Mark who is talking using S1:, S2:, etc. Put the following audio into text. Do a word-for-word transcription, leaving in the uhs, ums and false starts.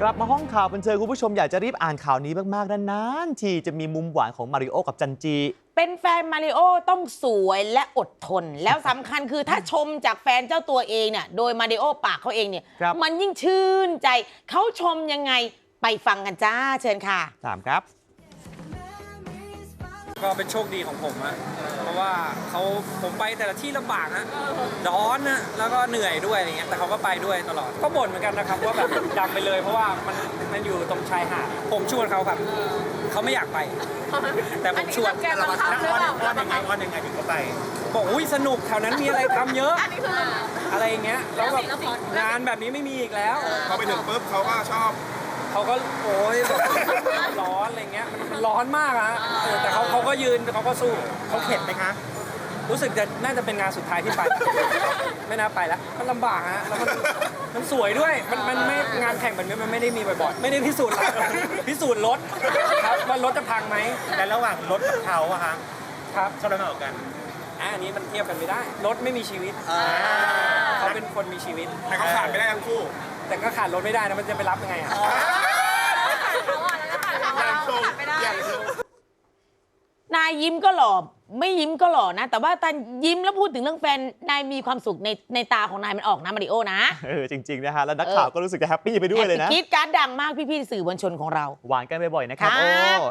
S1: กลับมาห้องข่าวบันเทิงคุณผู้ชมอยากจะรีบอ่านข่าวนี้มากๆนานๆทีจะมีมุมหวานของมาริโอกับจันจี
S2: เป็นแฟนมาริโอต้องสวยและอดทน แล้วสำคัญคือถ้าชมจากแฟนเจ้าตัวเองเนี่ยโดยมาริโอปากเขาเองเนี่ยมันยิ่งชื่นใจเขาชมยังไงไปฟังกันจ้าเชิญค่ะ
S1: ถามครับ
S3: ก็เป็นโชคดีของผมอะเพราะว่าเขาผมไปแต่ละที่ลำบากนะร้อนนะแล้วก็เหนื่อยด้วยอะไรเงี้ยแต่เขาก็ไปด้วยตลอดก็บ่นเหมือนกันนะครับว่าแบบดำไปเลยเพราะว่ามันมันอยู่ตรงชายหาดผมชวนเขาครับเขาไม่อยากไปแต่ผมชวน
S4: เราอ้อนอ้อนยังไงอ้อนยังไงถึงเขาไป
S3: บอกอุ้ยสนุกแถวนั้นมีอะไรทำเยอะอะไรอย่างเงี้ยแล้วแบบงานแบบนี้ไม่มีอีกแล้ว
S4: พอไปถึงปุ๊บเขาก็ชอบ
S3: เขาก็โอ้ยร้อนอะไรเงี้ยมันร้อนมากอะแต่เขาเขาก็ยืนเขาก็สู้
S4: เขาเข็ดไหมคะ
S3: รู้สึกจะน่าจะเป็นงานสุดท้ายที่ไปไม่น่าไปแล้วมันลำบากฮะแล้วมันมันสวยด้วยมันมันไม่งานแข่งแบบนี้มันไม่ได้มีบ่อยๆไม่ได้พิสูจน์พิสูจน์รถครับว่ารถจะพังไหม
S4: แต่ระหว่างรถกับเขาอะคะ
S3: ครับ
S4: ชอบอะไรมากกว่ากัน
S3: อันนี้มันเทียบกันไม่ได้รถไม่มีชีวิตเขาเป็นคนมีชีวิต
S4: แต่เขาขาดไม่ได้ทั้งคู่
S3: แต่ก็ขาดรถไม่ได้นะมันจะไปรับยังไงอะ
S2: นายยิ้มก็หล่อไม่ยิ้มก็หล่อนะแต่ว่าตอนยิ้มแล้วพูดถึงเรื่องแฟนนายมีความสุขในในตาของนายมันออกนะมาริโอนะ
S1: เออจริงๆนะฮะแล้วนักข่าวก็รู้สึกจะแฮปปี้ไปด้วยเลยนะ
S2: คิดการดังมากพี่ๆสื่อมวลชนของเรา
S1: หวานกันบ่อยๆนะครับโอ้